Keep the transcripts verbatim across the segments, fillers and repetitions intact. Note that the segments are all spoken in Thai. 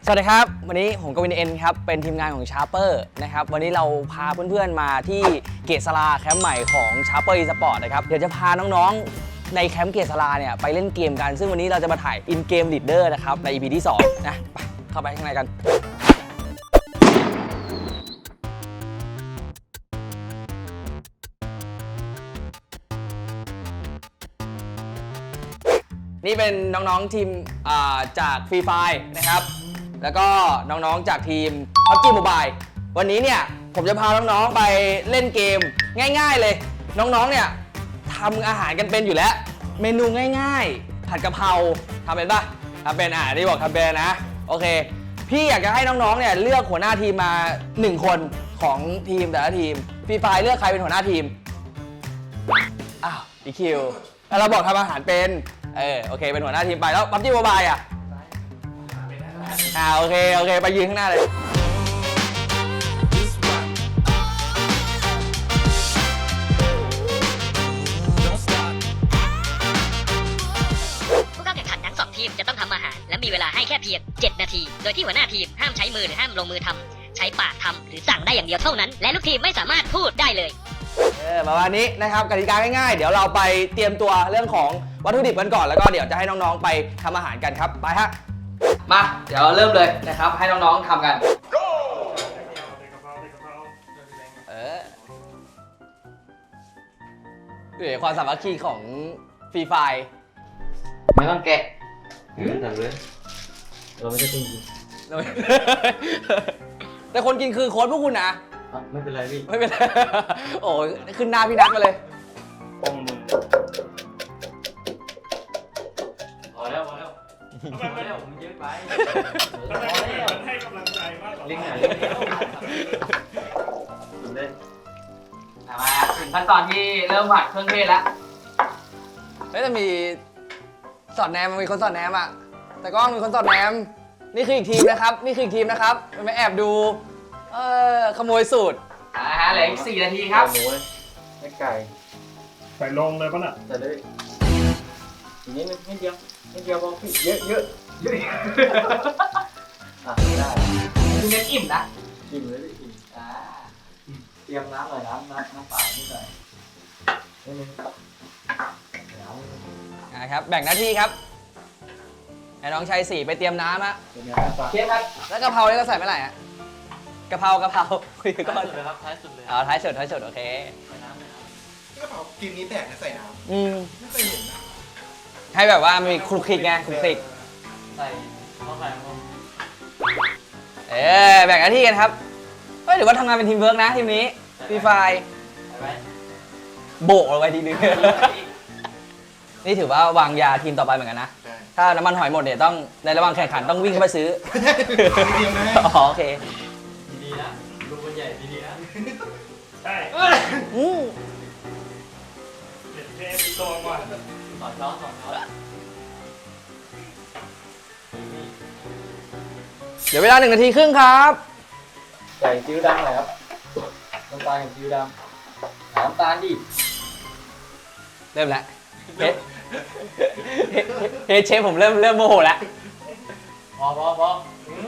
สวัสดีครับวันนี้ผมกวินเอ็นครับเป็นทีมงานของชาร์เปอร์นะครับวันนี้เราพาเพื่อนๆมาที่เกษราแคมป์ใหม่ของชาร์เปอร์อีสปอร์ตนะครับเดี๋ยวจะพาน้องๆในแคมป์เกษราเนี่ยไปเล่นเกมกันซึ่งวันนี้เราจะมาถ่ายอินเกมลีดเดอร์นะครับใน อี พี ที่สองนะไปเข้าไปข้างในกันนี่เป็นน้องๆทีมจากฟรีไฟนะครับแล้วก็น้องๆจากทีม พับจี Mobile วันนี้เนี่ยผมจะพาน้องๆไปเล่นเกมง่ายๆเลยน้องๆเนี่ยทำอาหารกันเป็นอยู่แล้วเมนูง่ายๆผัดกะเพราทำเป็นปะทำเป็นอ่ะที่บอกทำเป็นนะโอเคพี่อยากจะให้น้องๆเนี่ยเลือกหัวหน้าทีมมาหนึ่งคนของทีมแต่ละทีมฟรีไฟเลือกใครเป็นหัวหน้าทีมอ้าวอีคิวแล้วเราบอกทำอาหารเป็นเออโอเคเป็นหัวหน้าทีมไปแล้ว พับจี Mobile อ่ะอ่าโอเคโอเคไปยืนข้างหน้าเลยผู้เข้าแข่งขันทั้งสองทีมจะต้องทำอาหารและมีเวลาให้แค่เพียงเจ็ดนาทีโดยที่หัวหน้าทีมห้ามใช้มือหรือห้ามลงมือทำใช้ปากทำหรือสั่งได้อย่างเดียวเท่านั้นและลูกทีมไม่สามารถพูดได้เลยเออประมาณนี้นะครับกติกาง่ายๆเดี๋ยวเราไปเตรียมตัวเรื่องของวัตถุดิบกันก่อนแล้วก็เดี๋ยวจะให้น้องๆไปทำอาหารกันครับไปฮะมาเดี๋ยวเริ่มเลยนะครับให้น้องๆทำกันเออเดี๋ยวความสามัคคีของฟรีไฟไม่ต้องแกะทำเลยเราไม่ใช่คนกินแต่คนกินคือโค้ชพวกคุณนะไม่เป็นไรพี่ไม่เป็นไรโอ้ยขึ้นหน้าพี่นัทมาเลยปองมือพอแล้วพอแล้วพอแล้วมันเยอะไปพอแล้วให้กำลังใจมากกว่าเล่นหน่อยเล่นเดียวเล่นมาถึงขั้นตอนที่เริ่มผัดเครื่องเทศแล้วเฮ้ยจะมีสอดแนมมันมีคนสอดแนมอ่ะแต่ก็มีคนสอดแนมนี่คืออีกทีมนะครับนี่คืออีกทีมนะครับมันไม่แอบดูเออขโมยสูตรอ่าฮะเหลืออีกสี่นาทีครับหมูไม่ไก่ใส่ลงเลยป่ะน่ะใส่เลยอีกนิดนึงนิดเดียวนิดเดียวพอพี่เยอะเยอะเยอะอ่ะได้คือเน้นอิ่มนะอิ่มเลยพี่อิ่มอ่าเตรียมน้ำหน่อยน้ำน้ำน้ำเปล่านิดหน่อยนิดนึงอ่าครับแบ่งหน้าที่ครับให้น้องชัยสี่ไปเตรียมน้ำฮะเชฟครับแล้วกะเพราเนี่ยเราใส่เมื่อไหร่ฮะกะเพรากะเพราคุยก่อนเลยครับท้ายสุดเลยอ๋อท้ายสุดท้ายสุดโอเคใส่น้ำใส่น้ำกะเพรากินนี้แตกนะใส่น้ำอืมไม่เคยเห็นนะให้แบบว่ามีคลุกคลิกไงคลุกคลิกใส่ข้าวไข่ลงเออแบ่งหน้าที่กันครับเฮ้ยหรือว่าทำงานเป็นทีมเวิร์กนะทีมนี้ฟรีไฟโบกเอาไว้ทีนึงนี่ถือว่าวางยาทีมต่อไปเหมือนกันนะถ้าน้ำมันหอยหมดเนี่ยต้องในระหว่างแข่งขันต้องวิ่งเข้าไปซื้ออ๋อโอเคดีๆนะลูกคนใหญ่ดีๆนะใช่อืมเด็ดเทปตัวก่อนสองช้อนสองช้อนเดี๋ยวเวลาหนึ่งนาทีครึ่งครับใส่ซีอิ๊วดำหน่อยครับน้ำตาลกับซีอิ๊วดำน้ำตาลดิเริ่มแล้วเฮ้เฮ้เชฟผมเริ่มเริ่มโมโหแล้วพอพอพอ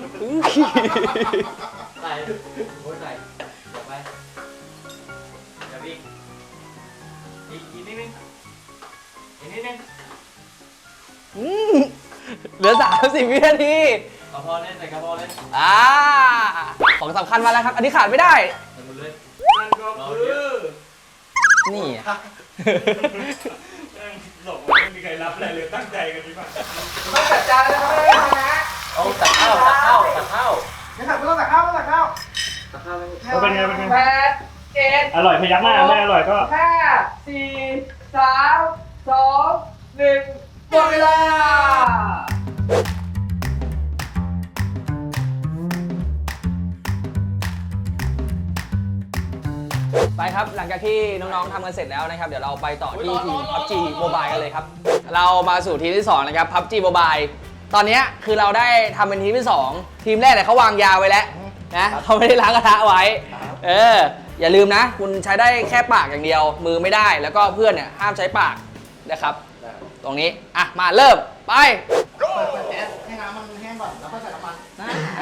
ใส่โอ้ยใส่เดี๋ยวไปเดี๋ยวอีกอีกอีกนิดนึงอีกนิดนึงเหลือสามสิบวินาทีกระเพาะเล่นใส่กระเพาะเล่นอ่าของสำคัญมาแล้วครับอันนี้ขาดไม่ได้ใส่หมดเลยนั่นก็คือนี่หลบไม่มีใครรับอะไรเลยตั้งใจกันดีป่ะต้องจัดจานแล้วนะเอาตักข้าวตักข้าวตักข้าวไม่ตักไม่ต้องตักข้าวไม่ตักข้าวตักข้าวเลยเป็นไงเป็นไงแปดเจ็ดอร่อยพยักหน้าไม่อร่อยก็ห้าสี่สามสองหนึ่งหมดเวลาไปครับหลังจากที่น้องๆทำกันเสร็จแล้วนะครับเดี๋ยวเราไปต่อที่ทีม พับจี Mobile กันเลยครับเรามาสู่ทีมที่สองนะครับ พับจี Mobile ตอนนี้คือเราได้ทำเป็นทีมที่สองทีมแรกเนี่ยเขาวางยาไว้แล้วนะเขาไม่ได้ล้างกระทะไว้เอออย่าลืมนะคุณใช้ได้แค่ปากอย่างเดียวมือไม่ได้แล้วก็เพื่อนเนี่ยห้ามใช้ปากนะครับตรงนี้อ่ะมาเริ่มไปเปิดแก๊สให้น้ำมันแห้งก่อนแล้วค่อยใส่น้ำมัน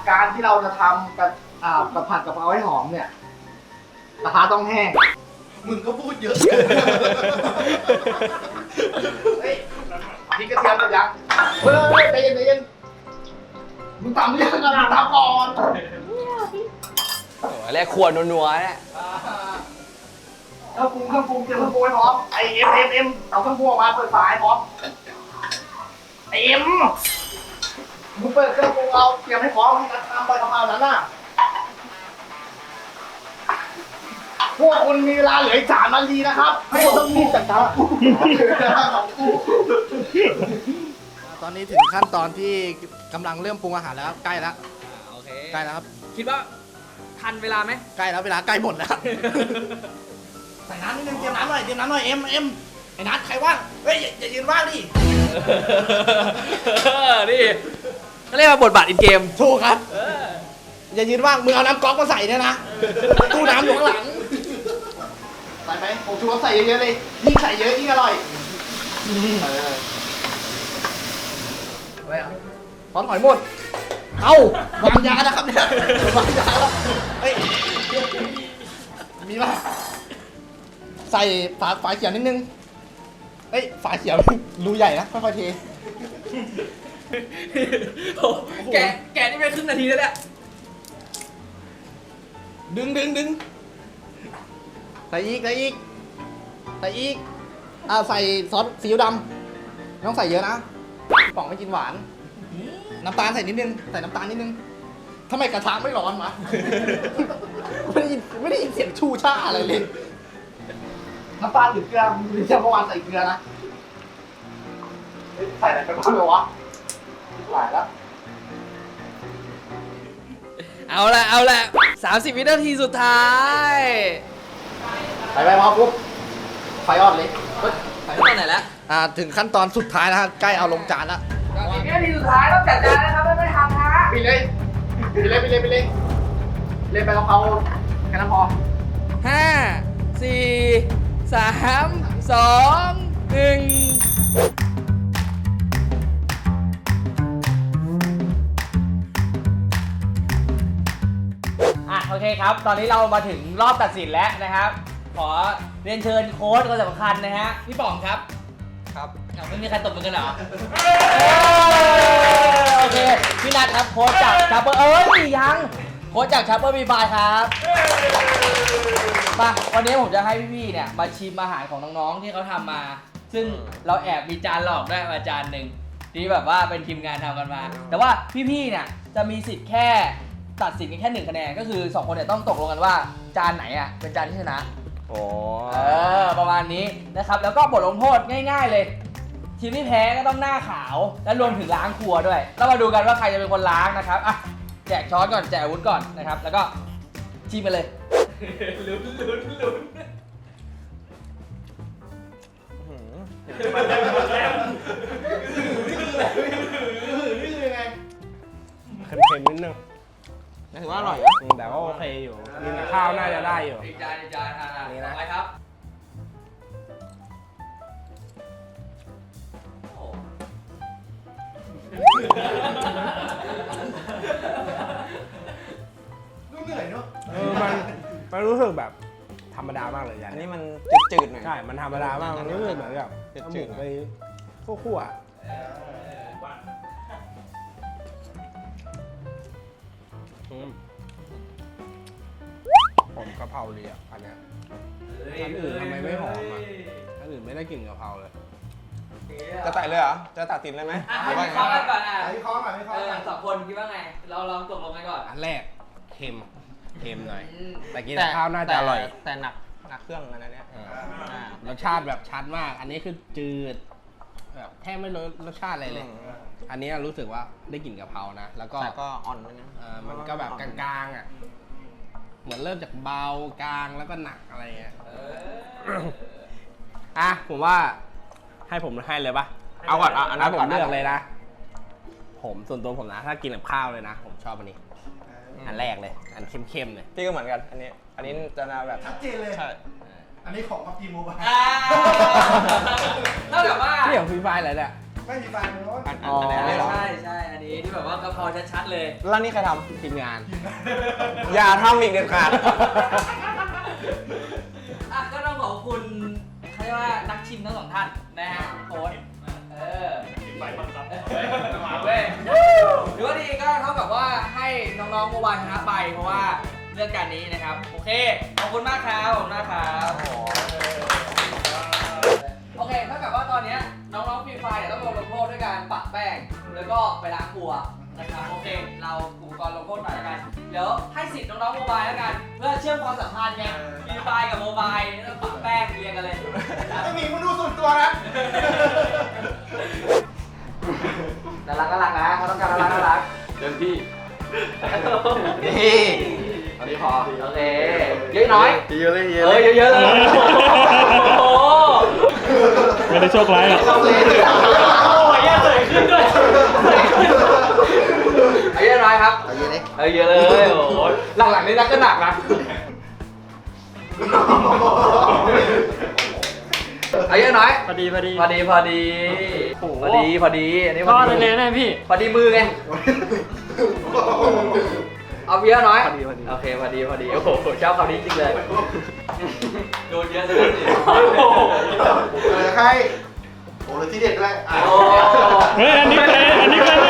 การที่เราจะทำกับอ่ากับผัดกะเพราให้หอมเนี่ยกระทะต้องแห้งมึงก็พูดเยอะเฮ้ยพริกกระเทียมหมดยังเฮ้ยใจเย็นใจเย็นมึงตำหรือยังอ่ะตำก่อนโอ้ยแรกขวดนัวๆเนี่ยเครื่องปรุงเครื่องปรุงเตรียมเครื่องปรุงให้พร้อมไอเอ็มเอ็มเอ็มเอาเครื่องปรุงออกมาเปิดฝาให้พร้อมไอเอ็มมึงเปิดเครื่องปรุงเอาเตรียมให้พร้อมให้กระทำใบกะเพรานั้นน่ะพวกคุณมีเวลาเหลืออีกสามนาทีนะครับให้คนต้องรีบจัดการตอนนี้ถึงขั้นตอนที่กำลังเริ่มปรุงอาหารแล้วครับใกล้แล้วโอเคใกล้แล้วครับคิดว่าทันเวลาไหมใกล้แล้วเวลาใกล้หมดแล้วใส่น้ำนิดนึงเตรียมน้ำหน่อยเตรียมน้ำหน่อยเอ็มเอ็มไอ้นัทใครว่างเฮ้ยอย่าอย่ายืนว่างดินี่เขาเรียกว่าบทบาทอินเกมถูกครับอย่ายืนว่างมึงเอาน้ำก๊อกมาใส่เนี่ยนะตู้น้ำอยู่ข้างหลังใส่ไหมผมชูรสใส่เยอะๆเลยยิ่งใส่เยอะยิ่งอร่อยพร้อมหอยหมดเอาวางยานะครับเนี่ยวางยาแล้วเฮ้ยมีป่ะใส่ฝาฝาเขียวนิดนึงเฮ้ยฝาเขียวรูใหญ่นะค่อยๆเทโอ้แกแกนี่ไปครึ่งนาทีแล้วเนี่ยดึงดึงดึงใส่อีกใส่อีกใส่อีกอ่าใส่ซอสซีอิ๊วดำไม่ต้องใส่เยอะนะพี่ป๋องไม่กินหวานน้ำตาลใส่นิดนึงใส่น้ำตาลนิดนึงทำไมกระทะไม่ร้อนวะ ไม่ได้ยินไม่ได้ยินเสียงชูช่าอะไรเลยน้ำตาลหรือเกลือหรือเมื่อวานใส่เกลือนะใส่อะไรไปบ้างเลยวะหลายแล้วเอาละเอาละสามสิบวินาทีสุดท้ายใส่ไปพอปุ๊บไฟอ่อนเลยไปตอนไหนแล้วอ่าถึงขั้นตอนสุดท้ายแล้วฮะใกล้เอาลงจานแล้วสามสิบวินาทีสุดท้ายต้องจัดจานนะครับไม่ไม่ทันฮะไปเลยไปเลยไปเลยไปเลยเล่นไปกะเพราแค่นั้นพอห้าสี่สามสองหนึ่งอ่ะโอเคครับ ตอนนี้เรามาถึงรอบตัดสินแล้วนะครับ ขอเรียนเชิญโค้ชคนสำคัญนะฮะพี่ป๋องครับ ครับไม่มีใครตบมือกันเหรอโอเคพี่นัทครับโค้ชจากชาเปอร์เอ้ยยังโค้ชจากชาเปอร์บีไฟครับมาวันนี้ผมจะให้พี่ๆเนี่ยมาชิมอาหารของน้องๆที่เขาทำมา ซึ่งเราแอบมีจานหลอกด้วยมาจานหนึ่งที่แบบว่าเป็นทีมงานทำกันมา แต่ว่าพี่ๆเนี่ยจะมีสิทธิ์แค่ตัดสินกันแค่หนึ่งคะแนนก็คือสองคนเนี่ยต้องตกลงกันว่าจานไหนอ่ะเป็นจานที่ชนะโอ้เออประมาณนี้นะครับ แล้วก็บทลงโทษง่ายๆเลยทีมที่แพ้ก็ต้องหน้าขาวและรวมถึงล้างครัวด้วยแล้วมาดูกันว่าใครจะเป็นคนล้างนะครับอ่ะแจกช้อนก่อนแจกอาวุธก่อนนะครับ แล้วก็ชิมไปเลยลุ้นลุ้นลุ้นเค็มๆนิดนึงถือว่าอร่อยอืมแต่ก็โอเคอยู่กินกับข้าวน่าจะได้อยู่อีกจานอีกจานอ่ะนี่นะต่อไปครับโอ้ดูเหนื่อยเนาะเออมันมันรู้สึกแบบธรรมดามากเลยยันอันนี้มันจืดๆหน่อยใช่ มันธรรมดามากมันรู้สึกเหมือนกับจืดๆเอาหมูไปคั่วๆอะอืมหอมกะเพราดีอ่ะอันเนี้ย อันอื่นทำไมไม่หอมอ่ะ อันอื่นไม่ได้กลิ่นกะเพราเลยจะตัดเลยเหรอ จะตัดตินเลยไหมอ่ะหให้รือว่าวิไงเคราะห์กันก่อนอ่ะวิเคราะห์ก่อนวิเคเอราะห์อก่อนสองคนคิดว่าไง เราลองตกลงกันก่อนอันแรกเค็ม เค็มหน่อยอืมแต่กินกับข้าวน่าจะอร่อยแต่หนักหนักเครื่องอันนั้นเนี่ยอ่ารสชาติแบบชัดมาก อันนี้คือจืดแบบแทบไม่รู้รสชาติอะไรเลย อันนี้รู้สึกว่าได้กลิ่นกะเพรานะ แล้วก็แต่ก็อ่อนไปนะเอ่อมันก็แบบกลางๆอ่ะ เหมือนเริ่มจากเบากลางแล้วก็หนักอะไรเงี้ยอ่ะผมว่าให้ผมให้เลยปะเอาก่อนเอาอันนั้ถ้าน ผมก่อนเลือกเลยนะ ผมส่วนตัวผมนะ ถ้ากินกับข้าวเลยนะ ผมชอบอันนี้ อันแรกเลย อันเข้มๆเลยพี่ก็เหมือนกัน อันนี้ อันนี้จะน่าแบบชัดเจนเลยใช่อันนี้ของพับจีโมบายอ่าเท่ากับว่านี่ของฟรีไฟอะไรเนี่ยไม่มีไฟเลยอันอ๋ออันนี้เหรอใช่ใช่อันนี้ที่แบบว่ากะเพราคอชัดๆเลยแล้วนี่ใครททีมงานำอย่าทำอีกเด็ดขาดอ่ะก็ต้องขอบคุณเขาเรียกว่านักชิมทั้งสองท่านนะฮะโค้ชเออไปบังคับมาเว้ยหรือว่าดีก็เท่ากับว่าให้น้องๆโมบายชนะไปเพราะว่าเรื่องการนี้นะครับโอเคขอบคุณมากครับขอบคุณมากครับโอเคเท่ากับว่าตอนนี้น้องๆฟรีไฟเนี่ยต้องโดนลงโทษด้วยการปะแป้งแล้วก็ไปล้างครัวนะครับโอเคเราอุปกรณ์ลงโทษหน่อยแล้วกันเดี๋ยวให้สิทธิ์น้องๆโมบายแล้วกันเพื่อเชื่อมความสัมพันธ์ไงฟรีไฟกับโมบายแล้วปะแป้งเรียงกันเลยไอ้หมีมึงดูส่วนตัวนะน่ารักน่ารักนะเขาต้องการน่ารักน่ารักเดินพี่นี่อันนี้พอโอเคเยอะน้อยเยอะเลยเยเออะอเลยเยอะๆเลยโอ้โหไม่ได้โชคร้ายหรอกโอ้ยเสยขึ้นด้วยเอาเยอะน้อยครับเอาเยอะเลยเอาเยอะเลยโอ้โหหลังๆนี่นักก็หนักนะเอาเยอะน้อยพอดีพอดีพอดีพอดีพอดีพอดีอันนี้พพ่ออดีเลยนะพี่พอดีมือไงเอาเยอะน้อยพอดีพอดีโอเคพอดีพอดีโอ้โหชอบคำนี้จริงเลยโดนเยอะเลยสิเออใครโอ้เลยที่เด็ดด้วยอ่ะโอ้เฮ้ย อันนี้เป็นอันนี้เป็นเลย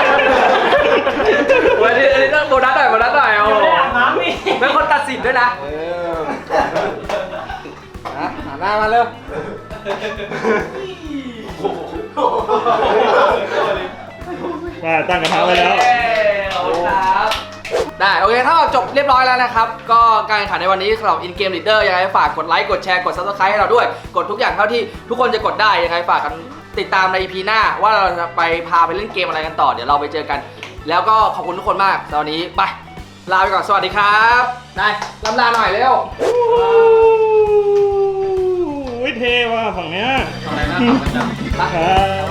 วันนี้อันนี้ต้องโบนัสหน่อยโบนัสหน่อยโอ้เป็นคนตัดสินด้วยนะเออนะหันหน้ามาเร็วมาตั้งกระทะไว้แล้วขอบคุณครับได้โอเคถ้าจบเรียบร้อยแล้วนะครับ ก็การแข่งขันในวันนี้สำหรับ In Game Leader ยังไงฝากกดไลค์กดแชร์กด Subscribe ให้เราด้วย กดทุกอย่างเท่าที่ทุกคนจะกดได้ยังไงฝากกันติดตามใน อี พี หน้าว่าเราจะไปพาไปเล่นเกมอะไรกันต่อเดี๋ยวเราไปเจอกัน แล้วก็ขอบคุณทุกคนมากตอนนี้ไปลาไปก่อนสวัสดีครับได้ลำลาหน่อยเร็วโอ้ยเท่ว่ะฝั่งเนี้ยอะไรนะครับ